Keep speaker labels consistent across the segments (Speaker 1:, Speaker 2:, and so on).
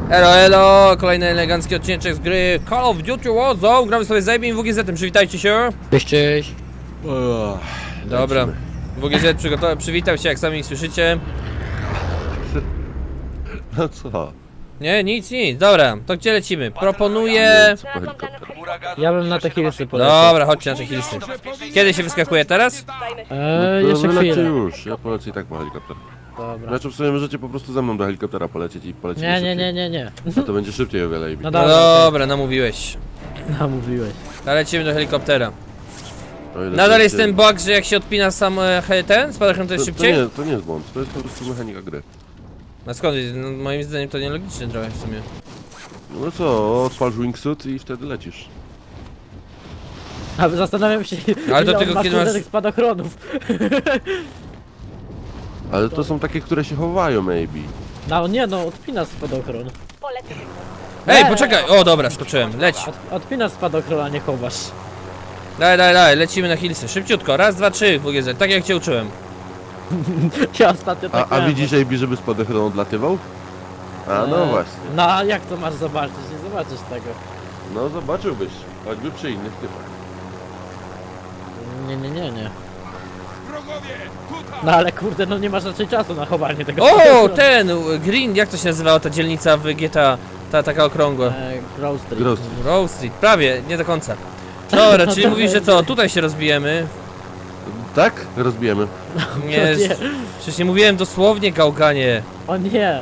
Speaker 1: Elo, elo, kolejny elegancki odcinek z gry Call of Duty Warzone. Gramy sobie z Abim i WGZ-em, przywitajcie się.
Speaker 2: Cześć, cześć.
Speaker 1: Dobra, WGZ przywitał się, jak sami słyszycie.
Speaker 3: No co?
Speaker 1: Nie, nic, dobra, to gdzie lecimy? Proponuję...
Speaker 2: Ja bym na te hillsy poleciał.
Speaker 1: Dobra, chodźcie na te hillsy. Kiedy się wyskakuje, teraz?
Speaker 2: Jeszcze
Speaker 3: Lecę
Speaker 2: chwilę.
Speaker 3: już, ja polecę i tak po helikopter.
Speaker 2: Dobra.
Speaker 3: Znaczy w sumie możecie po prostu ze mną do helikoptera polecieć i polecieć
Speaker 2: Nie.
Speaker 3: No to będzie szybciej o wiele.
Speaker 2: No
Speaker 1: No
Speaker 2: dobra,
Speaker 1: dobra, namówiłeś.
Speaker 2: namówiłeś.
Speaker 1: To lecimy do helikoptera.
Speaker 3: O ile
Speaker 1: Nadal
Speaker 3: to
Speaker 1: jest
Speaker 3: się-
Speaker 1: ten bug, że jak się odpina sam ten, spadachron to jest szybciej?
Speaker 3: To nie jest błąd, to jest po prostu mechanika gry.
Speaker 1: No skąd? No, moim zdaniem to nielogiczne trochę w sumie.
Speaker 3: No co, odpal wingsuit i wtedy lecisz.
Speaker 2: A zastanawiam się,
Speaker 1: Ale to
Speaker 2: ile
Speaker 1: tylko
Speaker 2: on ma
Speaker 1: kiedy
Speaker 2: kurde
Speaker 1: masz-
Speaker 2: tych spadochronów.
Speaker 3: Ale to są takie, które się chowają maybe.
Speaker 2: No nie no, odpinasz spadochron.
Speaker 1: Ej, poczekaj! O dobra, skoczyłem, leć.
Speaker 2: Odpinasz spadochron, a nie chowasz.
Speaker 1: Daj, lecimy na hillsy. Szybciutko, raz, dwa, trzy, WGZ, tak jak cię uczyłem.
Speaker 2: Ja ostatnio tak
Speaker 3: A
Speaker 2: miałem.
Speaker 3: widzisz AB, żeby spadochronu odlatywał? A no właśnie.
Speaker 2: No a jak to masz zobaczyć? Nie zobaczysz tego.
Speaker 3: No zobaczyłbyś, choćby przy innych typach.
Speaker 2: Nie. No ale kurde, no nie masz raczej czasu na chowanie tego
Speaker 1: O,
Speaker 2: spadochronu.
Speaker 1: ten Green, jak to się nazywała ta dzielnica w GTA? Ta taka okrągła.
Speaker 2: Grove Street.
Speaker 3: Gross.
Speaker 1: Row Street, prawie, nie do końca. Dobra,
Speaker 2: No
Speaker 1: czyli
Speaker 2: to
Speaker 1: mówisz, że
Speaker 2: będzie.
Speaker 1: co, tutaj się rozbijemy?
Speaker 3: Tak? Rozbijemy.
Speaker 1: Nie,
Speaker 2: nie.
Speaker 1: przecież nie mówiłem dosłownie, gałganie.
Speaker 2: O nie.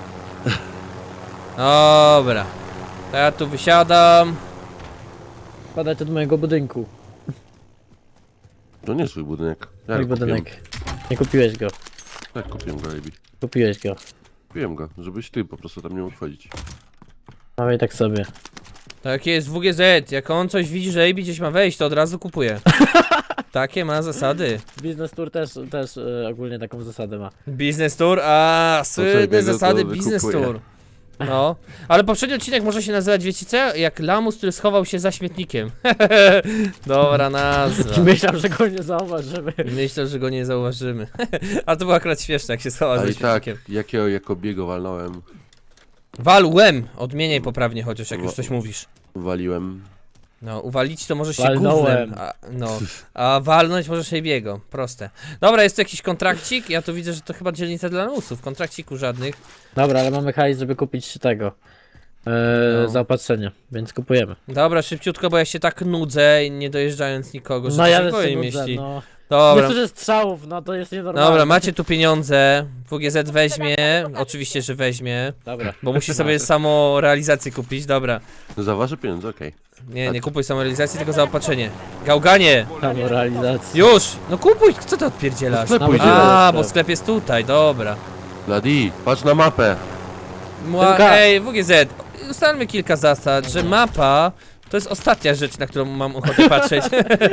Speaker 1: Dobra. To ja tu wysiadam.
Speaker 2: Wpadajcie do mojego budynku.
Speaker 3: To nie swój budynek. Ja
Speaker 2: Mój
Speaker 3: go kupiłem.
Speaker 2: budynek. Nie kupiłeś go.
Speaker 3: Tak, kupiłem go AB.
Speaker 2: Kupiłeś go.
Speaker 3: Kupiłem go, żebyś ty po prostu tam nie mógł wchodzić.
Speaker 2: Dawaj tak sobie.
Speaker 1: Tak jest WGZ, jak on coś widzi, że AB gdzieś ma wejść, to od razu kupuje. Takie ma zasady.
Speaker 2: Biznes Tour też ogólnie taką zasadę ma.
Speaker 1: Biznes Tour, a słynne
Speaker 3: biega,
Speaker 1: zasady
Speaker 3: to
Speaker 1: Biznes
Speaker 3: wykupuje.
Speaker 1: Tour. No, ale poprzedni odcinek może się nazywać, wiecie co? Jak lamus, który schował się za śmietnikiem. Dobra nazwa.
Speaker 2: Myślałem, że go nie zauważymy.
Speaker 1: Myślę, że go nie zauważymy. A to było akurat śmieszne, jak się schował
Speaker 3: A
Speaker 1: za
Speaker 3: i tak,
Speaker 1: śmietnikiem.
Speaker 3: jakiego jako biego walnąłem,
Speaker 1: Walłem! Odmieniaj poprawnie chociaż, jak już coś mówisz.
Speaker 3: waliłem.
Speaker 1: No, uwalić to może się
Speaker 2: Walnąłem.
Speaker 1: gównem, a walnąć możesz się biego, proste. Dobra, jest tu jakiś kontrakcik, ja tu widzę, że to chyba dzielnica dla lamusów, kontrakciku żadnych.
Speaker 2: Dobra, ale mamy hajs, żeby kupić tego.
Speaker 1: No.
Speaker 2: Zaopatrzenie, więc kupujemy.
Speaker 1: Dobra, szybciutko, bo ja się tak nudzę, nie dojeżdżając nikogo, że
Speaker 2: No
Speaker 1: to
Speaker 2: ja
Speaker 1: się
Speaker 2: też się
Speaker 1: powiem,
Speaker 2: nudzę,
Speaker 1: jeśli...
Speaker 2: no.
Speaker 1: Dobra,
Speaker 2: Nie słyszę strzałów, no to jest nienormalne.
Speaker 1: dobra, macie tu pieniądze, WGZ weźmie, oczywiście, że weźmie,
Speaker 2: Dobra.
Speaker 1: bo musi sobie samo realizację kupić, dobra.
Speaker 3: Za wasze pieniądze, okej.
Speaker 1: Nie kupuj samorealizacji, tylko zaopatrzenie. Gałganie!
Speaker 2: Tam realizacja.
Speaker 1: Już! No kupuj! Co ty odpierdzielasz?
Speaker 3: Do sklepu
Speaker 2: idziemy.
Speaker 1: A,
Speaker 2: Sklep.
Speaker 1: bo sklep jest tutaj, dobra.
Speaker 3: Ladi, patrz na mapę.
Speaker 2: Tylko-
Speaker 1: Ej, WGZ, ustalmy kilka zasad, że mapa to jest ostatnia rzecz, na którą mam ochotę patrzeć.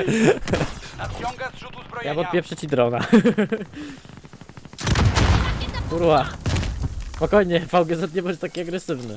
Speaker 2: Ja podpieprzę ci drona. Kurwa. Spokojnie, VGZ nie bądź taki agresywny.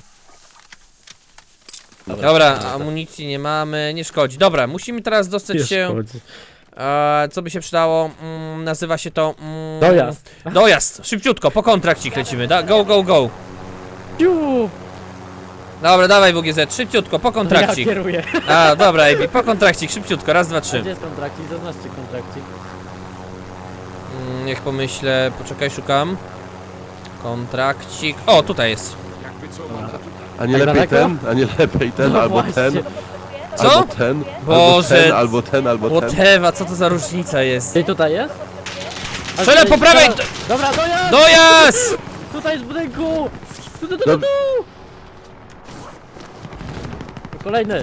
Speaker 1: Dobra, amunicji nie mamy, nie szkodzi. Dobra, musimy teraz dostać się... co by się przydało? Nazywa się to...
Speaker 2: Dojazd.
Speaker 1: Dojazd! Szybciutko, po kontrakcik lecimy. Go!
Speaker 2: Ciu!
Speaker 1: Dobra, dawaj WGZ, szybciutko, po
Speaker 2: Ja
Speaker 1: kontrakcik.
Speaker 2: kieruję.
Speaker 1: A, dobra, AB, po kontrakcik, szybciutko, raz, dwa,
Speaker 2: A
Speaker 1: trzy.
Speaker 2: gdzie jest kontrakcik? Zaznaczcie kontrakcik.
Speaker 1: Niech pomyślę, poczekaj, szukam. Kontrakcik. O, tutaj jest.
Speaker 3: A nie
Speaker 2: Tak
Speaker 3: lepiej
Speaker 2: daleko?
Speaker 3: ten, a nie lepiej ten,
Speaker 2: No
Speaker 3: albo
Speaker 2: właśnie.
Speaker 3: ten,
Speaker 1: Co?
Speaker 3: albo ten,
Speaker 1: Boże.
Speaker 3: albo ten, albo ten.
Speaker 1: Whatever, co to za różnica jest?
Speaker 2: Ty tutaj jest? A
Speaker 1: Strzelę
Speaker 2: tutaj-
Speaker 1: po prawej!
Speaker 2: Dobra, dojazd!
Speaker 1: Dojazd!
Speaker 2: Tutaj jest w budynku! Tu.
Speaker 3: Dob-
Speaker 2: Kolejny.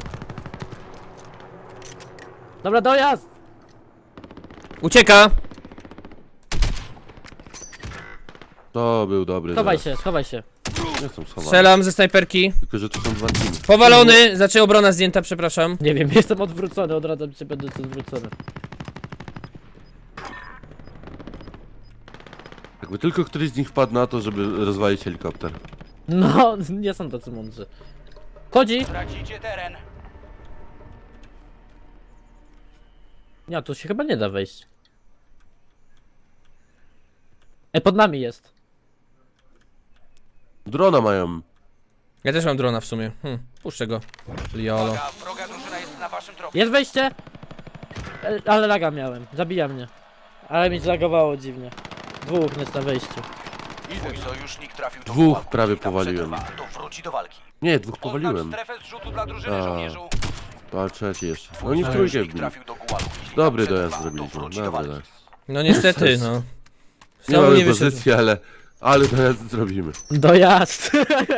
Speaker 2: Dobra, dojazd!
Speaker 1: Ucieka!
Speaker 3: To był dobry.
Speaker 2: Schowaj się.
Speaker 3: Jestem schowany.
Speaker 1: Strzelam ze snajperki.
Speaker 3: Tylko, że tu są dwa teamy.
Speaker 1: Powalony, znaczy obrona zdjęta, przepraszam.
Speaker 2: Nie wiem, jestem odwrócony, odradzam się, będę odwrócony.
Speaker 3: Jakby tylko któryś z nich wpadł na to, żeby rozwalić helikopter.
Speaker 2: No, nie są tacy mądrzy. Chodzi!
Speaker 4: Tracicie teren.
Speaker 2: Nie, tu się chyba nie da wejść. Pod nami jest.
Speaker 3: Drona mają.
Speaker 1: Ja też mam drona w sumie. Puszczę go. Liolo.
Speaker 4: Uwaga, wroga drużyna jest na waszym tropie.
Speaker 2: Jest wejście! Ale laga miałem, zabija mnie. Ale mi zlagowało dziwnie. Dwóch jest na wejściu.
Speaker 4: Twój sojusznik trafił do
Speaker 3: Dwóch
Speaker 4: pułapu.
Speaker 3: prawie
Speaker 4: Jeśli tam
Speaker 3: powaliłem.
Speaker 4: przetrwa, to wróci do walki.
Speaker 3: Nie, dwóch
Speaker 4: Oznacz
Speaker 3: powaliłem.
Speaker 4: strefę zrzutu dla drużyny
Speaker 3: A.
Speaker 4: żołnierzu.
Speaker 3: To ale trzeci jeszcze. No
Speaker 4: Twój
Speaker 3: oni w trójkę
Speaker 4: sojusznik
Speaker 3: wbili.
Speaker 4: trafił do gułagu. Jeśli
Speaker 3: Dobry
Speaker 4: tam
Speaker 3: dojazd
Speaker 4: przetrwa, to
Speaker 3: zrobiliśmy,
Speaker 4: wróci do
Speaker 3: dobry
Speaker 4: walki.
Speaker 3: dojazd.
Speaker 1: No niestety,
Speaker 3: Jezus.
Speaker 1: no.
Speaker 3: Nie
Speaker 1: Znowu
Speaker 3: mamy
Speaker 1: nie wyszedł.
Speaker 3: pozycji, ale dojazd zrobimy.
Speaker 2: Dojazd!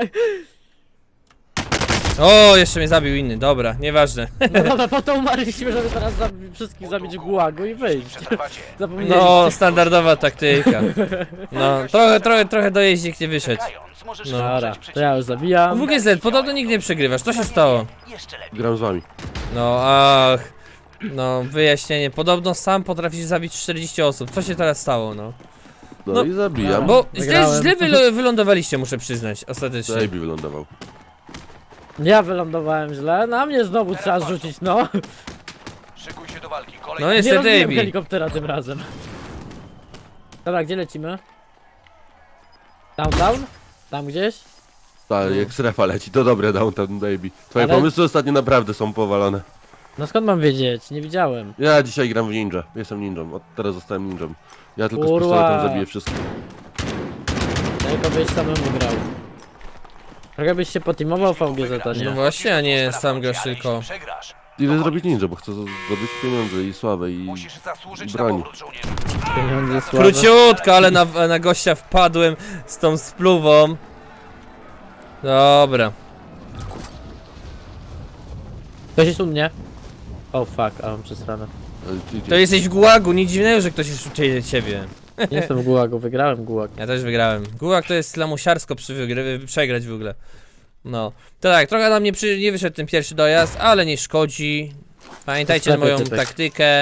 Speaker 1: O, jeszcze mnie zabił inny, dobra, nieważne.
Speaker 2: No dobra, po to umarliśmy, żeby teraz wszystkich zabić w gułagu i wyjść.
Speaker 4: Przetrwacie.
Speaker 2: Zapomnieliście.
Speaker 1: No, standardowa taktyka. No, trochę dojeździk nie wyszedł.
Speaker 4: Czekając, możesz
Speaker 1: No.
Speaker 2: Dobra,
Speaker 4: wesprzeć
Speaker 2: to ja już zabijam.
Speaker 1: WGZ, podobno nigdy nie przegrywasz, co się stało?
Speaker 4: Jeszcze lepiej.
Speaker 3: Gram z wami.
Speaker 1: No, ach. No, wyjaśnienie, podobno sam potrafisz zabić 40 osób, co się teraz stało, no?
Speaker 3: No,
Speaker 1: No,
Speaker 3: i zabijam.
Speaker 1: Bo
Speaker 2: Wygrałem.
Speaker 1: źle wylądowaliście, muszę przyznać, ostatecznie.
Speaker 3: Baby wylądował.
Speaker 2: Ja wylądowałem źle, na mnie znowu trzeba rzucić, no.
Speaker 4: Szykuj się do walki.
Speaker 1: No
Speaker 4: Kolejny
Speaker 2: Nie
Speaker 1: niestety,
Speaker 2: robiłem
Speaker 1: Ebi.
Speaker 2: helikoptera tym razem. Dobra, gdzie lecimy? Downtown? Tam gdzieś?
Speaker 3: Tak, jak strefa leci, to dobre Downtown Baby. Twoje
Speaker 2: Ale-
Speaker 3: pomysły ostatnio naprawdę są powalone.
Speaker 2: No skąd mam wiedzieć? Nie widziałem.
Speaker 3: Ja dzisiaj gram w ninja. Jestem ninją. Od teraz zostałem ninją. Ja tylko z
Speaker 2: Kurwa.
Speaker 3: pistoletem zabiję wszystkich.
Speaker 2: Tylko byś samemu grał. Trochę byś się poteamował VGZ, a
Speaker 1: No
Speaker 2: nie?
Speaker 1: właśnie, a nie
Speaker 4: Sprawdź,
Speaker 1: sam grasz
Speaker 4: ale
Speaker 1: tylko.
Speaker 4: jeśli przegrasz,
Speaker 3: Ile zrobić ninja, bo chcę zdobyć pieniądze i sławę i
Speaker 4: musisz zasłużyć na
Speaker 3: broń.
Speaker 4: powrót żołnierzy.
Speaker 2: Pieniądze słabe.
Speaker 1: Króciutko, ale na gościa wpadłem z tą spluwą. Dobra.
Speaker 2: Ktoś jest u mnie? Oh fuck, a mam przesranę.
Speaker 1: To jesteś w gułagu, nic dziwnego, że ktoś jest szybciej ciebie.
Speaker 2: Nie jestem w gułagu, wygrałem gułag.
Speaker 1: Ja też wygrałem. Gułag to jest lamusiarsko przegrać w ogóle. No. To tak, trochę nam nie wyszedł ten pierwszy dojazd, ale nie szkodzi. Pamiętajcie
Speaker 2: To sklepy
Speaker 1: moją
Speaker 2: typek.
Speaker 1: taktykę.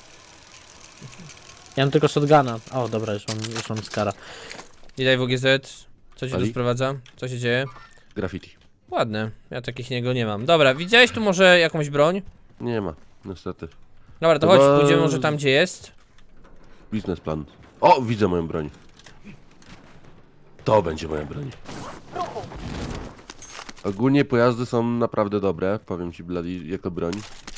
Speaker 2: Ja mam tylko shotguna. O, dobra, już mam skara.
Speaker 1: Witaj WGZ. Co się tu
Speaker 3: Ali?
Speaker 1: sprowadza? Co się dzieje?
Speaker 3: Graffiti.
Speaker 1: Ładne. Ja takich niego nie mam. Dobra, widziałeś tu może jakąś broń?
Speaker 3: Nie ma, niestety.
Speaker 1: Dobra, to
Speaker 3: Chyba-
Speaker 1: chodź, pójdziemy może tam gdzie jest.
Speaker 3: Biznesplan. O, widzę moją broń. To będzie moja broń. Ogólnie pojazdy są naprawdę dobre, powiem ci Bloody, jako broń.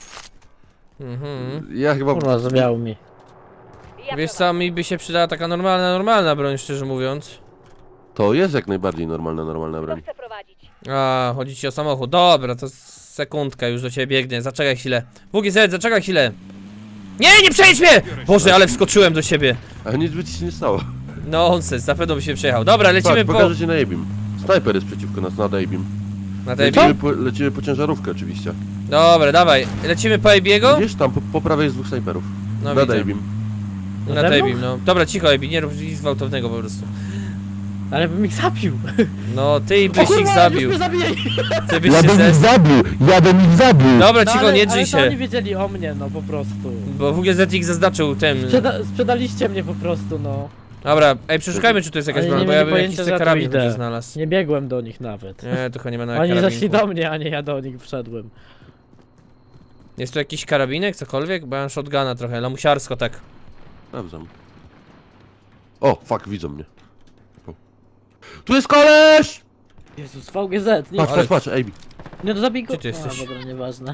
Speaker 3: Ja chyba...
Speaker 2: Kurwa, zawiało mi.
Speaker 1: Wiesz co, mi by się przydała taka normalna broń, szczerze mówiąc.
Speaker 3: To jest jak najbardziej normalna broń.
Speaker 5: Chcę prowadzić.
Speaker 1: A, chodzi ci o samochód. Dobra, to sekundka, już do ciebie biegnę. Zaczekaj chwilę. WGZ, zaczekaj chwilę. Nie przejdź mnie! Boże, ale wskoczyłem do siebie.
Speaker 3: Ale nic by ci się nie stało.
Speaker 1: Nonsens, na pewno by się przejechał. Dobra, lecimy
Speaker 3: Patrz,
Speaker 1: po...
Speaker 3: pokażę ci na Abim. Snajper jest przeciwko nas, nad Abim.
Speaker 1: Na tej...
Speaker 3: Lecimy po ciężarówkę oczywiście.
Speaker 1: Dobra, dawaj. Lecimy po Ebiego?
Speaker 3: Widzisz, tam po prawej jest dwóch snajperów.
Speaker 1: No
Speaker 3: Nad
Speaker 1: widzę.
Speaker 3: Abim.
Speaker 1: Na
Speaker 2: Nade mną?
Speaker 1: Tebim, no. Dobra, cicho Ebi, nie rób nic gwałtownego po prostu.
Speaker 2: Ale bym ich zabił.
Speaker 1: No, ty byś ich zabił.
Speaker 2: Już mnie zabijali.
Speaker 1: Ty byś się zes...
Speaker 3: zabił! Ja bym ich zabił!
Speaker 1: Dobra,
Speaker 2: No,
Speaker 1: cicho, nie drzyj
Speaker 2: ale to oni
Speaker 1: się.
Speaker 2: wiedzieli o mnie, no po prostu.
Speaker 1: Bo WGZ ich zaznaczył tym.
Speaker 2: Sprzedaliście mnie po prostu, no.
Speaker 1: Dobra, ej, przeszukajmy, czy tu jest jakaś
Speaker 2: Oni
Speaker 1: broń,
Speaker 2: nie
Speaker 1: bo ja
Speaker 2: mieli
Speaker 1: bym jakiś
Speaker 2: pojęcia, że ja tu
Speaker 1: karabin
Speaker 2: idę.
Speaker 1: tu znalazł.
Speaker 2: Nie biegłem do nich nawet.
Speaker 1: Nie, to chyba nie ma na
Speaker 2: Oni
Speaker 1: karabinku.
Speaker 2: zaszli do mnie, a nie ja do nich wszedłem.
Speaker 1: Jest tu jakiś karabinek, cokolwiek? Bo ja mam shotguna trochę, lamusiarsko tak.
Speaker 3: Sprawdzam. O, fuck, widzą mnie. O. Tu jest koleś!
Speaker 2: Jezus, VGZ, nie,
Speaker 3: Patrz, patrz, patrz, Abi.
Speaker 2: nie to zabij go.
Speaker 1: Gdzie ty jesteś?
Speaker 2: A, dobra, nieważne.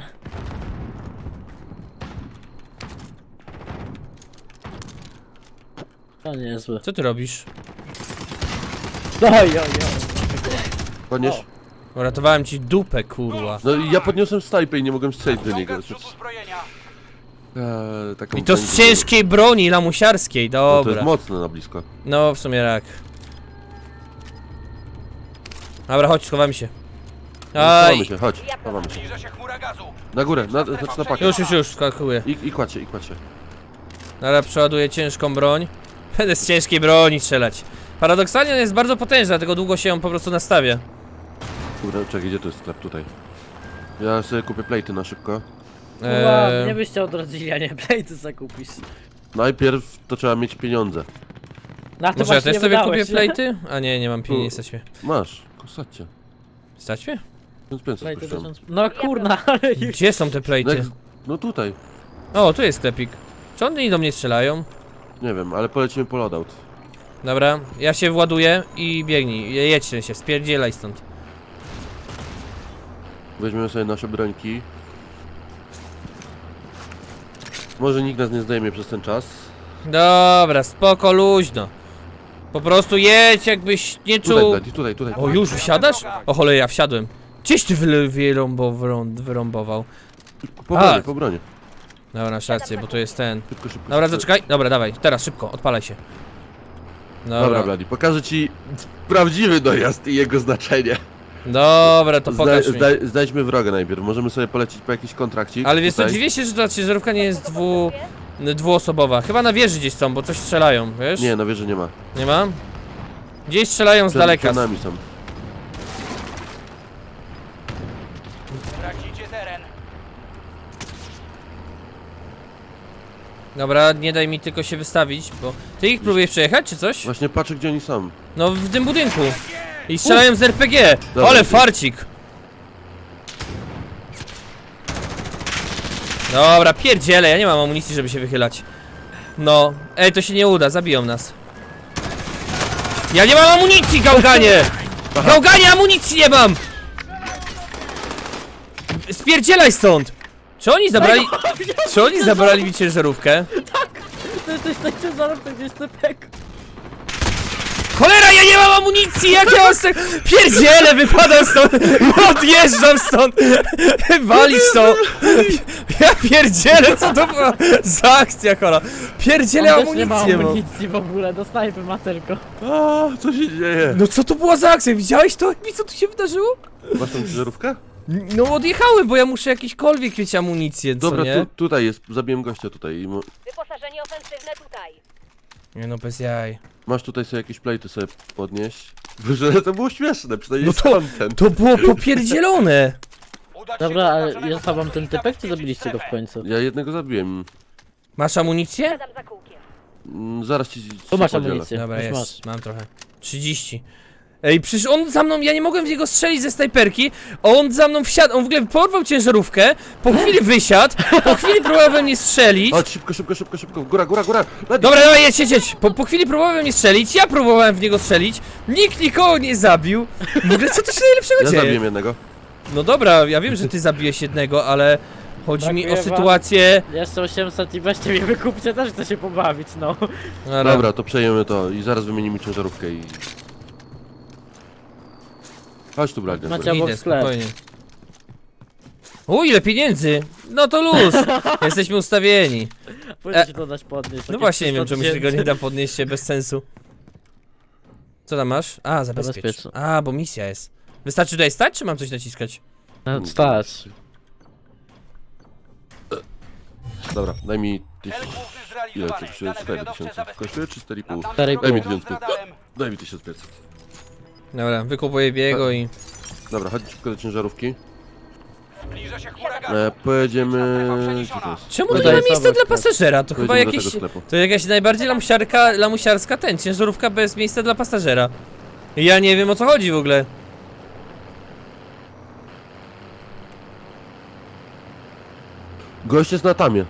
Speaker 2: To niezłe.
Speaker 1: Co ty robisz?
Speaker 2: Oj.
Speaker 3: Podnieś.
Speaker 1: Uratowałem ci dupę, kurwa.
Speaker 3: No i ja podniosłem snajpę i nie mogłem strzelić do niego.
Speaker 4: Ściąga zrzutu zbrojenia.
Speaker 3: Taką
Speaker 1: I to z
Speaker 3: broń-
Speaker 1: ciężkiej broni lamusiarskiej,
Speaker 3: No, to jest
Speaker 1: dobra.
Speaker 3: mocne na blisko.
Speaker 1: No, w sumie rak. Dobra, chodź, schowamy się.
Speaker 3: Chowamy
Speaker 1: Aj!
Speaker 3: się, chodź, chowamy się.
Speaker 4: Zbliża się chmura gazu.
Speaker 3: Na górę, znaczy na pakę.
Speaker 1: Już, skakuję.
Speaker 3: I kładź się, i kładź się.
Speaker 1: Dobra, przeładuję ciężką broń. Będę z ciężkiej broni strzelać. Paradoksalnie on jest bardzo potężny, dlatego długo się ją po prostu nastawia.
Speaker 3: Kurde, czekaj, gdzie to jest sklep? Tutaj. Ja sobie kupię plejty na szybko.
Speaker 2: Nie byście odrodzili, a nie plejty zakupisz.
Speaker 3: Najpierw to trzeba mieć pieniądze.
Speaker 2: Na to
Speaker 1: Może ja
Speaker 2: właśnie
Speaker 1: też
Speaker 2: nie
Speaker 1: sobie
Speaker 2: wydałeś.
Speaker 1: kupię plejty? A nie mam pieniędzy, stać mnie.
Speaker 3: Masz, kosacie.
Speaker 1: Stać mnie?
Speaker 3: 1500
Speaker 2: Plejty
Speaker 3: kosztują.
Speaker 2: 1000. No kurna, ale już.
Speaker 1: Gdzie są te
Speaker 3: No,
Speaker 1: plejty?
Speaker 3: jak, no tutaj.
Speaker 1: O, tu jest sklepik. Czy oni do mnie strzelają?
Speaker 3: Nie wiem, ale polecimy po loadout.
Speaker 1: Dobra, ja się właduję i biegnij. Jedź się, spierdzielaj stąd.
Speaker 3: Weźmiemy sobie nasze brońki. Może nikt nas nie zdejmie przez ten czas.
Speaker 1: Dobra, spoko, luźno. Po prostu jedź, jakbyś nie
Speaker 3: Tutaj,
Speaker 1: czuł...
Speaker 3: Blady, tutaj.
Speaker 1: O, już wsiadasz? O cholera, ja wsiadłem. Gdzieś ty wyrąbował.
Speaker 3: Po bronie,
Speaker 1: A.
Speaker 3: po bronie.
Speaker 1: Dobra, masz rację, bo to jest ten.
Speaker 3: Szybko.
Speaker 1: Dobra, zaczekaj. Dobra, dawaj, teraz szybko, odpalaj się.
Speaker 3: Dobra, Blady, pokażę ci prawdziwy dojazd i jego znaczenie.
Speaker 1: Dobra, to pokaż mi.
Speaker 3: Znajdźmy wroga najpierw. Możemy sobie polecieć po jakiś kontrakcik.
Speaker 1: Ale wiesz co,
Speaker 3: tutaj.
Speaker 1: dziwię się, że ta ciężarówka nie jest dwuosobowa. Chyba na wieży gdzieś są, bo coś strzelają, wiesz?
Speaker 3: Nie, na wieży nie ma.
Speaker 1: Nie ma? Gdzieś strzelają z daleka.
Speaker 3: Przed nami są.
Speaker 4: Tracicie teren.
Speaker 1: Dobra, nie daj mi tylko się wystawić, bo... Ty ich próbujesz przejechać, czy coś?
Speaker 3: Właśnie patrzę, gdzie oni są.
Speaker 1: No, w tym budynku. I strzelają z RPG!
Speaker 3: Dobra,
Speaker 1: Ale
Speaker 3: ty.
Speaker 1: farcik! Dobra, pierdziele, ja nie mam amunicji, żeby się wychylać. No, ej, to się nie uda, zabiją nas. Ja nie mam amunicji, gałganie! Gałganie, amunicji nie mam! Spierdzielaj stąd! Czy oni zabrali... Czy oni zabrali mi ciężarówkę?
Speaker 2: To jesteś tak ciężarówce, gdzieś typek.
Speaker 1: Cholera, ja nie mam amunicji! Jak ja mam stąd... Pierdziele, wypadam stąd! Odjeżdżam stąd! Walić to! Ja pierdzielę, co to była za akcja, chola? Pierdzielę,
Speaker 2: On też nie ma
Speaker 1: amunicję mam.
Speaker 2: amunicji w ogóle, do snajpy ma tylko.
Speaker 3: A, co się dzieje?
Speaker 1: No co to była za akcja? Widziałeś to? Mi co tu się wydarzyło?
Speaker 3: Masz tą ciężarówkę?
Speaker 1: No odjechałem, bo ja muszę jakiekolwiek mieć amunicję, co
Speaker 3: Dobra,
Speaker 1: nie?
Speaker 3: tutaj jest. Zabiłem gościa tutaj.
Speaker 5: Wyposażenie ofensywne tutaj.
Speaker 1: Nie no, bez jaj.
Speaker 3: Masz tutaj sobie jakieś plejty sobie podnieść. Że to było śmieszne, przynajmniej
Speaker 1: No to-
Speaker 3: content.
Speaker 1: To było popierdzielone!
Speaker 4: Udać się
Speaker 2: Dobra,
Speaker 4: do
Speaker 2: ale
Speaker 4: oznaczonego
Speaker 2: jest wam
Speaker 4: celu
Speaker 2: ten
Speaker 4: i
Speaker 2: typek, czy
Speaker 4: zabezpieczyć
Speaker 2: zabiliście go w
Speaker 4: strefę.
Speaker 2: końcu?
Speaker 3: Ja jednego zabiłem.
Speaker 1: Masz amunicję?
Speaker 5: Siadam za kółkiem.
Speaker 3: Zaraz ci
Speaker 2: Tu masz
Speaker 3: podzielę.
Speaker 2: amunicję.
Speaker 1: Dobra,
Speaker 2: już
Speaker 1: jest,
Speaker 2: masz.
Speaker 1: mam trochę. 30. Ej, przecież on za mną, ja nie mogłem w niego strzelić ze snajperki, a on za mną wsiadł, on w ogóle porwał ciężarówkę, po chwili wysiadł, po chwili próbował we mnie strzelić.
Speaker 3: Chodź, szybko. Góra. Blady.
Speaker 1: Dobra, dobra, jedź. Po chwili próbował we mnie strzelić, ja próbowałem w niego strzelić, nikt nikogo nie zabił. W ogóle co to się najlepszego
Speaker 3: Ja
Speaker 1: dzieje?
Speaker 3: zabiłem jednego.
Speaker 1: No dobra, ja wiem, że ty zabiłeś jednego, ale chodzi mi o
Speaker 2: Brakuje wam-
Speaker 1: sytuację...
Speaker 2: Jeszcze 800 i weźcie mnie wykupcie, też chcę się pobawić, no.
Speaker 3: Dobra, to przejmiemy to i zaraz wymienimy ciężarówkę i... Chodź tu, Blady.
Speaker 2: Macie- obok
Speaker 1: Idę,
Speaker 2: sklep.
Speaker 1: spokojnie. O, ile pieniędzy! No to luz! Jesteśmy ustawieni.
Speaker 2: Pójdę ci to dać podnieść.
Speaker 1: No
Speaker 2: takie
Speaker 1: właśnie, nie
Speaker 2: 300
Speaker 1: wiem, czemu się tego nie
Speaker 2: tysięcy.
Speaker 1: da podnieść się bez sensu. Co tam masz? A, zabezpiecz.
Speaker 2: Zabezpiecz.
Speaker 1: A, bo misja jest. Wystarczy tutaj stać, czy mam coś naciskać?
Speaker 2: No, stać.
Speaker 3: Dobra, daj mi
Speaker 4: Cel
Speaker 3: 1000...
Speaker 4: główny
Speaker 3: Ile
Speaker 4: zrealizowany.
Speaker 3: to kosztuje?
Speaker 4: Dane
Speaker 3: 4000
Speaker 4: wywiadowcze
Speaker 3: kosztuje czy 4,5?
Speaker 4: zabezpieczone.
Speaker 2: 4,5.
Speaker 3: Daj mi
Speaker 4: Nadal
Speaker 3: 1500.
Speaker 4: radarem.
Speaker 3: Daj mi 1500.
Speaker 1: Dobra, wykupuję biego i...
Speaker 3: Dobra, chodź szybko do ciężarówki.
Speaker 4: Zbliża się huragan.
Speaker 3: Pojedziemy... Gdzie to jest?
Speaker 1: Czemu
Speaker 2: Tutaj
Speaker 1: to nie ma
Speaker 2: jest
Speaker 1: miejsca
Speaker 2: obok
Speaker 1: dla
Speaker 2: sklep.
Speaker 1: pasażera? To chyba
Speaker 3: Pojedziemy do
Speaker 1: jakieś...
Speaker 3: tego sklepu.
Speaker 1: To jakaś najbardziej lamusiarska ten, ciężarówka bez miejsca dla pasażera. Ja nie wiem, o co chodzi w ogóle.
Speaker 3: Gość jest na tamie.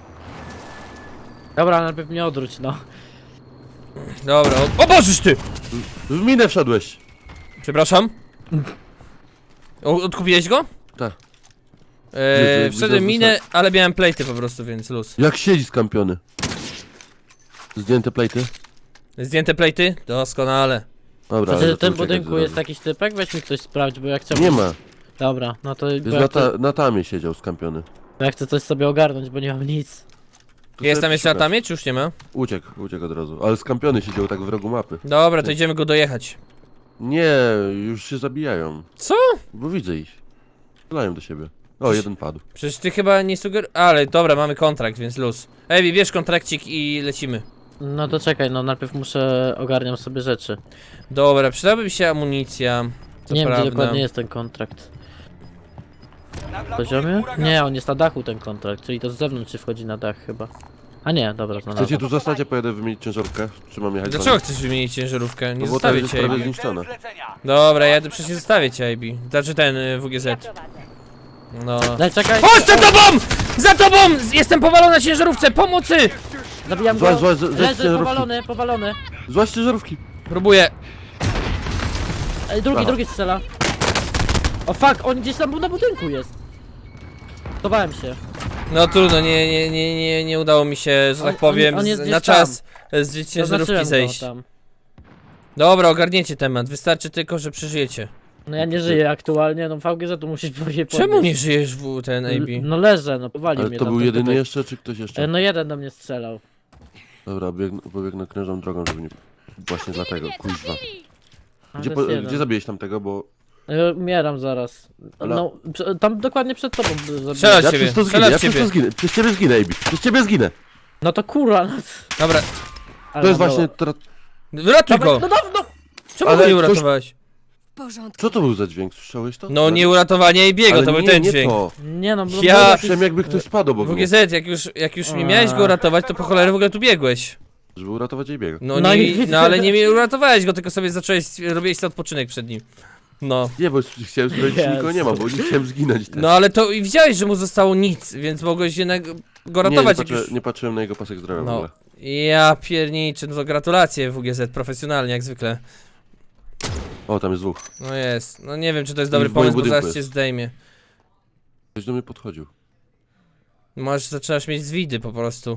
Speaker 2: Dobra, najpierw mnie odwróć, no.
Speaker 1: Dobra, o Bożysz ty!
Speaker 3: W minę wszedłeś.
Speaker 1: Przepraszam. Odkupiłeś go?
Speaker 3: Tak.
Speaker 1: Wszedłem
Speaker 3: widzę,
Speaker 1: minę, ale miałem plejty po prostu, więc luz.
Speaker 3: Jak siedzi skampiony. Zdjęte plejty?
Speaker 1: Zdjęte plejty? Doskonale.
Speaker 3: Dobra,
Speaker 2: Znaczy,
Speaker 3: ale
Speaker 2: w tym
Speaker 3: to czekaj,
Speaker 2: budynku
Speaker 3: zaraz.
Speaker 2: jest jakiś typek? Weź mi ktoś sprawdź, bo ja chciałbym...
Speaker 3: Nie ma.
Speaker 2: Dobra, no to...
Speaker 3: Jest
Speaker 2: Bo ja, chcę,
Speaker 3: na tamie siedział skampiony.
Speaker 2: ja chcę coś sobie ogarnąć, bo nie mam nic.
Speaker 3: Tu
Speaker 1: Jest
Speaker 3: sobie
Speaker 1: tam jeszcze na
Speaker 3: przeszukasz.
Speaker 1: tamie, czy już nie ma?
Speaker 3: Uciekł od razu. Ale skampiony siedział tak w rogu mapy.
Speaker 1: Dobra, to idziemy go dojechać.
Speaker 3: Nie, już się zabijają.
Speaker 1: Co?
Speaker 3: Bo widzę ich. Strzelają do siebie. O, jeden padł.
Speaker 1: Przecież ty chyba nie Ale dobra, mamy kontrakt, więc luz. Ej, bierz kontrakcik i lecimy.
Speaker 2: No to czekaj, no najpierw muszę... ogarniam sobie rzeczy.
Speaker 1: Dobra, przydałaby mi się amunicja. To
Speaker 2: Nie wiem,
Speaker 1: prawda.
Speaker 2: gdzie dokładnie jest ten kontrakt.
Speaker 4: Nad
Speaker 2: W poziomie?
Speaker 4: huragan.
Speaker 2: Nie, on jest na dachu ten kontrakt, czyli to z zewnątrz się wchodzi na dach chyba. A nie, dobra, to na
Speaker 3: Chcecie
Speaker 2: dach.
Speaker 3: tu zostać, a pojadę wymienić ciężarówkę? Czy mam jechać
Speaker 1: Dlaczego chcesz wymienić ciężarówkę? Nie
Speaker 3: No bo
Speaker 1: zostawię
Speaker 3: to jest
Speaker 1: cię,
Speaker 3: prawie
Speaker 1: AB.
Speaker 3: zniszczone.
Speaker 4: Cel zlecenia.
Speaker 1: Dobra, ja przecież nie zostawię cię, AB. Znaczy ten, WGZ.
Speaker 5: Ja prowadzę.
Speaker 1: No.
Speaker 2: Daj, czekaj!
Speaker 1: Chodź za tobą! Za tobą! Jestem powalony na ciężarówce, pomocy!
Speaker 2: Zabijam
Speaker 3: Złaź,
Speaker 2: go!
Speaker 3: złaź, zejdź z
Speaker 2: Leży,
Speaker 3: ciężarówki.
Speaker 2: powalony!
Speaker 3: Złaź ciężarówki.
Speaker 1: Próbuję.
Speaker 2: Ej, drugi strzela. O fuck, on gdzieś tam był na budynku jest. Schowałem się.
Speaker 1: No trudno, nie udało mi się, że tak powiem,
Speaker 2: on jest
Speaker 1: na
Speaker 2: gdzieś
Speaker 1: czas z ciężarówki
Speaker 2: Zaznaczyłem
Speaker 1: zejść.
Speaker 2: go tam.
Speaker 1: Dobra, ogarniecie temat, wystarczy tylko, że przeżyjecie.
Speaker 2: No ja nie żyję aktualnie, no VGZ tu musisz powiedzieć.
Speaker 1: Czemu nie żyjesz w ten AB?
Speaker 2: No leżę, no powalił
Speaker 3: Ale
Speaker 2: mnie
Speaker 3: to
Speaker 2: tam
Speaker 3: był
Speaker 2: ten
Speaker 3: jedyny
Speaker 2: typek.
Speaker 3: jeszcze, czy ktoś jeszcze?
Speaker 2: No jeden do mnie strzelał.
Speaker 3: Dobra, pobiegnę krężą drogą, żeby nie... Właśnie dlatego, kuźwa.
Speaker 2: A,
Speaker 3: Gdzie,
Speaker 2: to jest jeden.
Speaker 3: gdzie zabiłeś tamtego, bo...
Speaker 2: Umieram zaraz.
Speaker 3: Ale-
Speaker 2: No, tam dokładnie przed tobą zabiłem.
Speaker 1: Strzelać
Speaker 3: Ja
Speaker 1: ciebie,
Speaker 3: przez to
Speaker 1: strzelać
Speaker 3: zginę, ja przez
Speaker 1: ciebie.
Speaker 3: to zginę. Przez ciebie zginę, Ejbi. Przez ciebie zginę.
Speaker 2: No to kurwa, no.
Speaker 1: Dobra,
Speaker 2: Ale
Speaker 3: To jest
Speaker 2: no,
Speaker 3: właśnie...
Speaker 1: wyratuj
Speaker 2: Dawaj,
Speaker 1: go!
Speaker 2: no dawno!
Speaker 1: Czemu
Speaker 3: Ale
Speaker 1: go nie
Speaker 3: ktoś-
Speaker 1: uratowałeś?
Speaker 5: W porządku.
Speaker 3: Co to był za dźwięk? Słyszałeś to?
Speaker 1: No nie uratowanie AB'ego,
Speaker 3: Ale
Speaker 1: to był
Speaker 3: nie,
Speaker 1: ten
Speaker 3: nie
Speaker 1: dźwięk.
Speaker 3: to.
Speaker 2: Nie no, bo
Speaker 1: Ja-
Speaker 2: był jakiś-
Speaker 3: Słyszałem jakby ktoś spadł obok mnie,
Speaker 1: WGZ, jak już nie miałeś go uratować, to po cholerę w ogóle tu biegłeś.
Speaker 3: żeby uratować Ejbiego.
Speaker 1: No,
Speaker 2: No
Speaker 1: nie,
Speaker 2: i-
Speaker 1: no ale nie uratowałeś go, tylko sobie robiłeś sobie odpoczynek przed nim. No.
Speaker 3: Nie, bo chciałem sprawdzić, czy nikogo nie ma, bo nie chciałem zginąć też.
Speaker 1: No ale to i widziałeś, że mu zostało nic, więc mogłeś jednak go ratować jak już...
Speaker 3: nie patrzyłem na jego pasek zdrowia w
Speaker 1: No.
Speaker 3: ogóle.
Speaker 1: Ja pierniczę, no to gratulacje WGZ, profesjonalnie jak zwykle.
Speaker 3: O, tam jest dwóch.
Speaker 1: No jest, no nie wiem czy to jest
Speaker 3: I
Speaker 1: dobry
Speaker 3: w moim
Speaker 1: pomysł, bo
Speaker 3: budynku
Speaker 1: zaraz cię
Speaker 3: jest.
Speaker 1: zdejmie.
Speaker 3: Ktoś do mnie podchodził.
Speaker 1: Może zaczynasz mieć zwidy po prostu.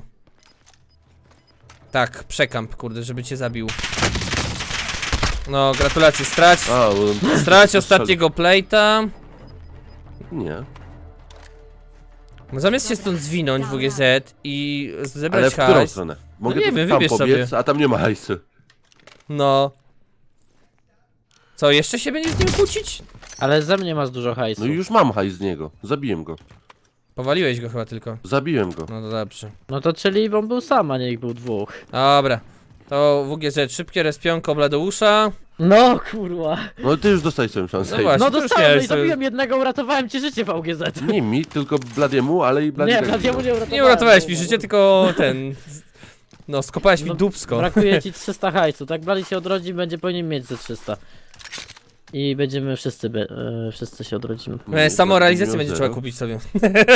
Speaker 1: Tak, przekamp, kurde, żeby cię zabił. No, gratulacje, strać
Speaker 3: A,
Speaker 1: ostatniego plate'a.
Speaker 3: Nie.
Speaker 1: No, zamiast się stąd zwinąć WGZ i
Speaker 3: Ale
Speaker 1: zebrać
Speaker 3: w którą
Speaker 1: hajs.
Speaker 3: stronę? Mogę
Speaker 1: nie
Speaker 3: tu
Speaker 1: wiem,
Speaker 3: tam
Speaker 1: wybierz
Speaker 3: pobiec,
Speaker 1: sobie.
Speaker 3: a tam nie ma hajsu.
Speaker 1: No. Co, jeszcze się będzie z nim kłócić?
Speaker 2: Ale ze mnie masz dużo hajsu.
Speaker 3: No i już mam hajs z niego. Zabiłem go.
Speaker 1: Powaliłeś go chyba tylko.
Speaker 3: Zabiłem go.
Speaker 1: No to dobrze.
Speaker 2: No to czyli on był sam, a nie ich był dwóch.
Speaker 1: Dobra. To WGZ, szybkie respionko Bladeusza.
Speaker 2: No kurwa.
Speaker 3: No ty już dostałeś swoją szansę.
Speaker 1: No właśnie.
Speaker 2: No
Speaker 1: to już
Speaker 2: dostałem, no
Speaker 1: miałeś
Speaker 2: i
Speaker 1: sobie-
Speaker 2: zabiłem jednego, uratowałem ci życie VGZ.
Speaker 3: Nie mi, tylko Bladiemu, ale i Bladi
Speaker 2: Nie,
Speaker 3: tak
Speaker 2: Bladiemu
Speaker 3: zginął.
Speaker 2: nie uratowałem.
Speaker 1: Nie uratowałeś mi życie, tylko ten... No, skopałeś mi
Speaker 2: No,
Speaker 1: dupsko.
Speaker 2: Brakuje ci 300 hajsu, tak? Blady się odrodzi, będzie powinien mieć ze 300. I będziemy wszyscy, wszyscy się odrodzimy.
Speaker 1: Samorealizację
Speaker 3: Miał
Speaker 1: będzie
Speaker 3: zero.
Speaker 1: trzeba kupić sobie.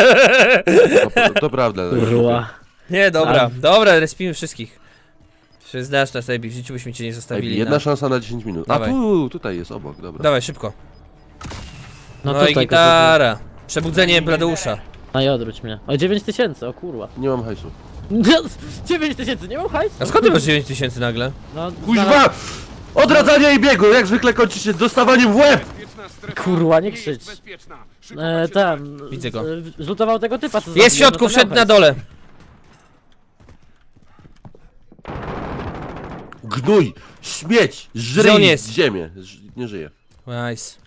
Speaker 3: To prawda.
Speaker 2: Kurwa.
Speaker 1: Nie, dobra,
Speaker 2: Ale-
Speaker 1: dobra, respimy wszystkich. Czy znasz nas, Ejbi, w życiu byśmy cię nie
Speaker 3: Ej,
Speaker 1: zostawili.
Speaker 3: jedna szansa na 10 minut. A
Speaker 1: Dawaj.
Speaker 3: tutaj jest obok, dobra.
Speaker 1: Dawaj, szybko.
Speaker 2: No,
Speaker 1: No i
Speaker 2: tutaj
Speaker 1: gitara. Przebudzenie Bladeusza.
Speaker 2: No i odwróć mnie. O 9000, o kurwa.
Speaker 3: Nie mam hajsu.
Speaker 2: 9000, nie mam hajsu?
Speaker 1: A skąd ty masz 9000 nagle?
Speaker 2: No,
Speaker 3: Kuźwa! Odradzanie i biegu, jak zwykle kończy się dostawaniem w łeb!
Speaker 2: Kurwa, nie krzycz. Ten.
Speaker 1: Widzę go.
Speaker 2: Zlutował tego typa, co
Speaker 1: Jest w
Speaker 2: zabiłem,
Speaker 1: środku,
Speaker 2: no to
Speaker 1: wszedł
Speaker 2: miał
Speaker 1: na
Speaker 2: hajs.
Speaker 1: dole.
Speaker 3: Gnój! Śmieć!
Speaker 1: Gdzie on
Speaker 3: Żryj
Speaker 1: jest?
Speaker 3: ziemię! Nie żyje.
Speaker 1: Nice.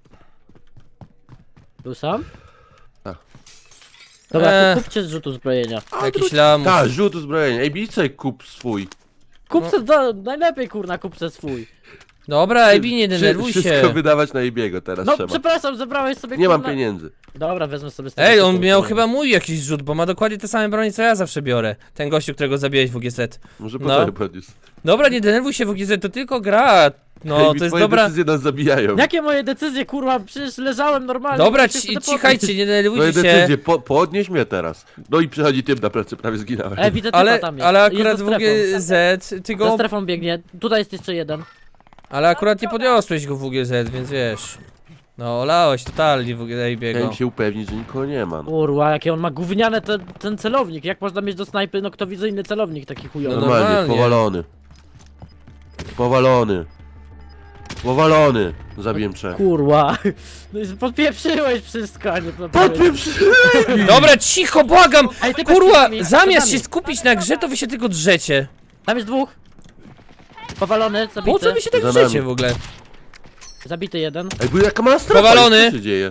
Speaker 2: Był sam?
Speaker 3: Tak.
Speaker 2: Dobra,
Speaker 1: Eee.
Speaker 2: to kupcie z rzutu zbrojenia.
Speaker 1: Jakiś lamus.
Speaker 3: Tak, rzut uzbrojenia. Ej, bijcie kup swój.
Speaker 2: Kupce, najlepiej kurna, kupce swój.
Speaker 1: Dobra, Ejbi, nie denerwuj
Speaker 3: Wszystko
Speaker 1: się.
Speaker 3: wydawać na Ebiego teraz
Speaker 2: No
Speaker 3: trzeba.
Speaker 2: przepraszam, zebrałeś sobie
Speaker 3: Nie mam
Speaker 2: kurna...
Speaker 3: pieniędzy.
Speaker 2: Dobra, wezmę sobie z tego
Speaker 1: Ej, on
Speaker 2: tytułu,
Speaker 1: miał
Speaker 2: kurwa.
Speaker 1: chyba mój jakiś rzut, bo ma dokładnie te same broni, co ja zawsze biorę. Ten gościu, którego zabiłeś w WGZ.
Speaker 3: Może
Speaker 1: No.
Speaker 3: potem podniósł.
Speaker 1: Dobra, nie denerwuj się WGZ, to tylko gra. No,
Speaker 3: Ej,
Speaker 1: to jest
Speaker 3: twoje
Speaker 1: dobra...
Speaker 3: decyzje nas zabijają.
Speaker 2: Jakie moje decyzje, kurwa? Przecież leżałem normalnie.
Speaker 1: Dobra,
Speaker 2: musisz wtedy
Speaker 1: cichajcie, nie
Speaker 3: Twoje
Speaker 1: denerwujcie się.
Speaker 3: decyzje, podnieś mnie teraz. No i przychodzi typ na plecy, prawie zginąłem.
Speaker 2: Ej, widzę typa
Speaker 1: Ale,
Speaker 2: tam jest.
Speaker 1: ale
Speaker 2: Jest
Speaker 1: akurat
Speaker 2: za
Speaker 1: w
Speaker 2: strefą.
Speaker 1: WGZ, ty
Speaker 2: Za
Speaker 1: go...
Speaker 2: strefą biegnie. Tutaj jest jeszcze jeden.
Speaker 1: Ale akurat nie podniosłeś go w WGZ, więc wiesz. No, olałeś totalnie w
Speaker 3: Chciałem
Speaker 1: WGZ.
Speaker 3: się upewnić, że nikogo nie ma. No.
Speaker 2: Kurwa, jakie on ma gówniane ten celownik. Jak można mieć do snajpy noktowizyjny celownik taki chujowy?
Speaker 1: No
Speaker 3: Normalnie,
Speaker 1: normalnie.
Speaker 3: powalony. Powalony. Powalony. Zabiłem trzech.
Speaker 2: Kurwa. No i podpieprzyłeś wszystko, a nie
Speaker 1: Dobra, cicho, błagam!
Speaker 2: Ej, ty
Speaker 1: Kurwa,
Speaker 2: bez
Speaker 1: zamiast
Speaker 2: nami.
Speaker 1: się skupić na grze, to wy się tylko drzecie.
Speaker 2: Tam jest dwóch. Powalony, zabity.
Speaker 1: Po co wy się tak
Speaker 3: Za
Speaker 1: drzecie
Speaker 3: nami.
Speaker 1: w ogóle?
Speaker 2: Zabity jeden.
Speaker 3: Ej, bo jaka ma strefa?
Speaker 1: Powalony.
Speaker 3: Co się dzieje?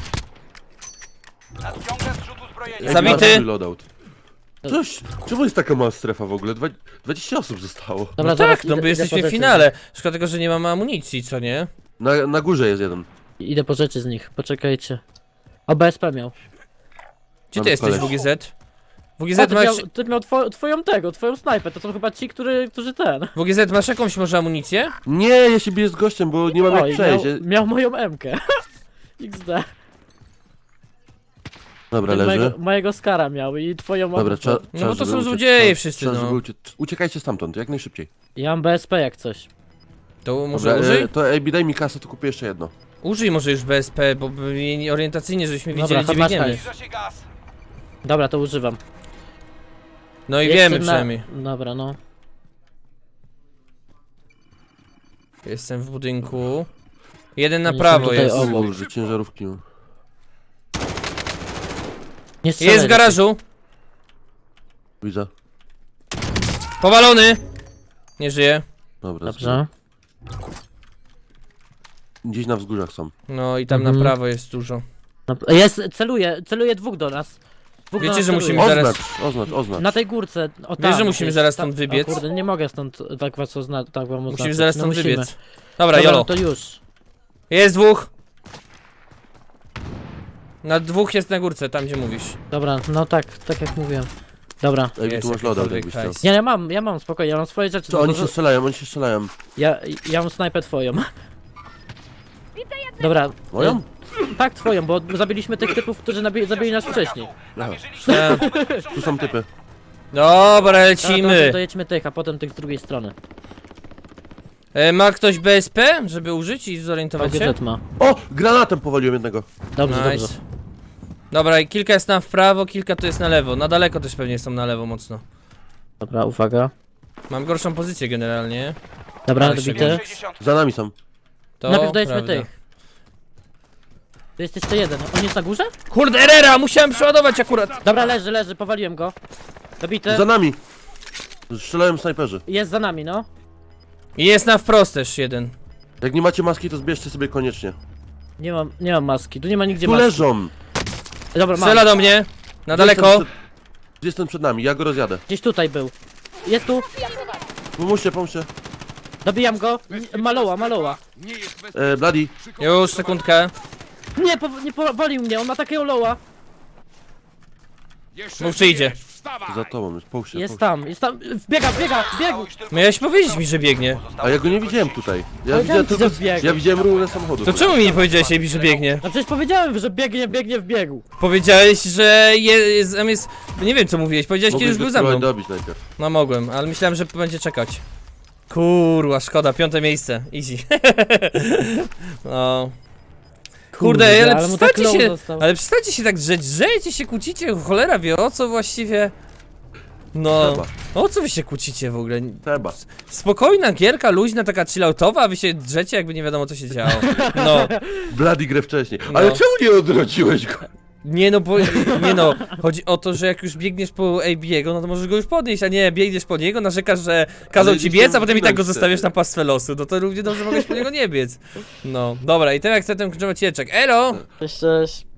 Speaker 4: Nadciąga zrzut uzbrojenia.
Speaker 3: Ej,
Speaker 1: Zabity.
Speaker 3: ma swój loadout. Coś, czemu jest taka mała strefa w ogóle? 20 osób zostało.
Speaker 2: Dobra,
Speaker 1: No
Speaker 2: zaraz
Speaker 1: tak, no
Speaker 2: idę-
Speaker 1: bo
Speaker 2: idę
Speaker 1: jesteśmy
Speaker 2: po
Speaker 1: w
Speaker 2: rzeczy.
Speaker 1: finale. Szkoda tego, że nie mamy amunicji, co nie?
Speaker 3: Na górze jest jeden.
Speaker 2: Idę po rzeczy z nich, poczekajcie. O, BSP miał.
Speaker 1: Gdzie ty
Speaker 3: Mamy
Speaker 1: jesteś,
Speaker 3: koleś.
Speaker 1: WGZ?
Speaker 2: O,
Speaker 1: WGZ masz...
Speaker 2: ty miał twoją snajpę, to są chyba ci, którzy ten.
Speaker 1: WGZ, masz jakąś może amunicję?
Speaker 3: Nie, ja się biję z gościem, bo nie mam
Speaker 2: Oj,
Speaker 3: jak przejść.
Speaker 2: miał moją M-kę. XD.
Speaker 3: Dobra, leży.
Speaker 2: Mojego Skara miał i twoją
Speaker 3: Dobra,
Speaker 2: M-kę.
Speaker 3: trzeba.
Speaker 1: No bo to
Speaker 3: żeby
Speaker 1: są
Speaker 3: uciec.
Speaker 1: złodzieje
Speaker 3: Trzeba-
Speaker 1: wszyscy,
Speaker 3: trzeba,
Speaker 1: no.
Speaker 3: żeby uciekajcie stamtąd, jak najszybciej.
Speaker 2: Ja mam BSP jak coś.
Speaker 1: To może
Speaker 3: Dobra,
Speaker 1: użyj?
Speaker 3: to ej, daj mi kasę, to kupię jeszcze jedno.
Speaker 1: Użyj może już BSP, bo orientacyjnie, żebyśmy
Speaker 2: Dobra,
Speaker 1: wiedzieli, gdzie
Speaker 2: chodź,
Speaker 1: biegniemy.
Speaker 2: hajs.
Speaker 4: Zbliża się gaz.
Speaker 2: Dobra, to używam.
Speaker 1: No i
Speaker 2: Jeszcze
Speaker 1: wiemy
Speaker 2: na-
Speaker 1: przynajmniej.
Speaker 2: Dobra, no.
Speaker 1: Jestem w budynku. Jeden na
Speaker 2: Oni są
Speaker 1: prawo
Speaker 2: tutaj
Speaker 1: jest.
Speaker 2: obok.
Speaker 3: Użyj ciężarówki.
Speaker 2: Nie strzelaj.
Speaker 1: Jest w garażu.
Speaker 3: Widzę.
Speaker 1: Powalony. Nie żyje.
Speaker 3: Dobra.
Speaker 2: Dobrze.
Speaker 3: Gdzieś na wzgórzach są.
Speaker 1: No i tam na
Speaker 2: Mhm.
Speaker 1: prawo jest dużo.
Speaker 2: No, jest, celuje dwóch do nas. Dwóch do
Speaker 1: Wiecie,
Speaker 2: nas
Speaker 1: że
Speaker 2: celuje.
Speaker 1: musimy zaraz-
Speaker 3: Oznacz.
Speaker 2: Na tej górce, o
Speaker 1: Wiesz,
Speaker 2: tam.
Speaker 1: że musimy
Speaker 2: gdzieś.
Speaker 1: zaraz stąd wybiec?
Speaker 2: O kurde, nie mogę stąd tak was tak wam oznaczyć.
Speaker 1: Musimy zaraz
Speaker 2: No
Speaker 1: stąd
Speaker 2: musimy.
Speaker 1: wybiec. Dobra,
Speaker 2: No
Speaker 1: jolo.
Speaker 2: to już.
Speaker 1: Jest dwóch. Na dwóch jest na górce, tam gdzie mówisz.
Speaker 2: Dobra, no tak jak mówiłem. Dobra.
Speaker 3: Ej,
Speaker 1: Jest
Speaker 3: tu masz loadout,
Speaker 1: jakikolwiek
Speaker 3: jakbyś chciał.
Speaker 1: hajs.
Speaker 2: Nie, ja mam, spokojnie, ja mam swoje rzeczy.
Speaker 3: Co,
Speaker 2: tylko
Speaker 3: oni
Speaker 2: że-
Speaker 3: się strzelają.
Speaker 2: Ja mam snajpę twoją. Dobra.
Speaker 3: Moją?
Speaker 2: Tak, twoją, bo zabiliśmy tych typów, którzy zabili nas wcześniej.
Speaker 4: Namierzyliśmy
Speaker 1: E,
Speaker 3: Tu są typy.
Speaker 1: Dobra,
Speaker 2: Dobra,
Speaker 1: lecimy.
Speaker 2: to jedźmy tych, a potem tych z drugiej strony.
Speaker 1: Ma ktoś BSP, żeby użyć i zorientować się?
Speaker 2: Gadżet ma.
Speaker 3: O! Granatem powaliłem jednego.
Speaker 2: Dobrze,
Speaker 1: Nice.
Speaker 2: dobrze.
Speaker 1: Dobra, i kilka jest tam w prawo, kilka to jest na lewo. Na daleko też pewnie są na lewo mocno.
Speaker 2: Dobra, uwaga.
Speaker 1: Mam gorszą pozycję generalnie.
Speaker 2: Dobra,
Speaker 1: Ale
Speaker 2: dobity.
Speaker 4: 60.
Speaker 3: Za nami są.
Speaker 1: To
Speaker 2: Najpierw dojedźmy
Speaker 1: prawda.
Speaker 2: tych. Tu jest jeszcze jeden. On jest na górze?
Speaker 1: Kurde, Herrera, musiałem przeładować akurat.
Speaker 2: Dobra, leży, powaliłem go. Dobity.
Speaker 3: Za nami. Strzelają snajperzy.
Speaker 2: Jest za nami, no.
Speaker 1: I jest na wprost też jeden.
Speaker 3: Jak nie macie maski, to zbierzcie sobie koniecznie.
Speaker 2: Nie mam maski. Tu nie ma nigdzie
Speaker 3: Tu
Speaker 2: maski.
Speaker 3: leżą.
Speaker 2: Dobra, mam.
Speaker 1: Strzela do mnie. Na daleko.
Speaker 3: Gdzieś ten przed nami, ja go rozjadę.
Speaker 2: Gdzieś tutaj był. Jest tu.
Speaker 3: Pomóżcie.
Speaker 2: Dobijam go. Maloła.
Speaker 3: Bloody.
Speaker 1: Już, sekundkę.
Speaker 2: Nie powalił mnie, on ma takiego loła.
Speaker 1: Mów, czy idzie.
Speaker 3: Za tobą jest, pomóż się.
Speaker 2: Jest tam. Biega, biegł.
Speaker 4: Już tylko
Speaker 1: Miałeś powiedzieć mi, że biegnie.
Speaker 3: A ja go nie widziałem tutaj. Ja
Speaker 2: Powiedziałem
Speaker 3: widziałem
Speaker 2: ci,
Speaker 3: tylko...
Speaker 2: że biegł.
Speaker 3: Ja widziałem rurę samochodu.
Speaker 1: To czemu mi nie powiedziałeś, Ebi, że biegnie?
Speaker 2: No przecież powiedziałem, że biegnie w biegu.
Speaker 1: Powiedziałeś, że jest... Nie wiem co mówiłeś, powiedziałeś kiedy już
Speaker 3: Mogłeś
Speaker 1: był
Speaker 3: go
Speaker 1: za mną.
Speaker 3: spróbować dobić najpierw.
Speaker 1: No mogłem, ale myślałem, że będzie czekać. Kurwa, szkoda, 5. miejsce. Easy. No. Kurde, ale
Speaker 2: mu tak
Speaker 1: przestańcie
Speaker 2: low
Speaker 1: się...
Speaker 2: został.
Speaker 1: Ale przestańcie się tak drzeć, drzejcie się, kłócicie, cholera wie o co właściwie. No,
Speaker 3: Trzeba.
Speaker 1: o co wy się kłócicie w ogóle?
Speaker 3: Trzeba.
Speaker 1: Spokojna gierka, luźna, taka chilloutowa, a wy się drzecie jakby nie wiadomo co się działo. No,
Speaker 3: Bloody grę wcześniej.
Speaker 1: No.
Speaker 3: Ale czemu nie odrodziłeś go?
Speaker 1: nie no, bo, nie no, chodzi o to, że jak już biegniesz po AB'ego, no to możesz go już podnieść, a nie biegniesz po niego, narzekasz, że kazał
Speaker 3: Ale
Speaker 1: ci
Speaker 3: nie
Speaker 1: biec, a potem i tak go
Speaker 3: wtedy.
Speaker 1: zostawiasz na pastwę losu, no to równie dobrze mogłeś po niego nie biec. No, dobra, i teraz chcę ten kluczowy cieczek. Elo!
Speaker 2: Cześć.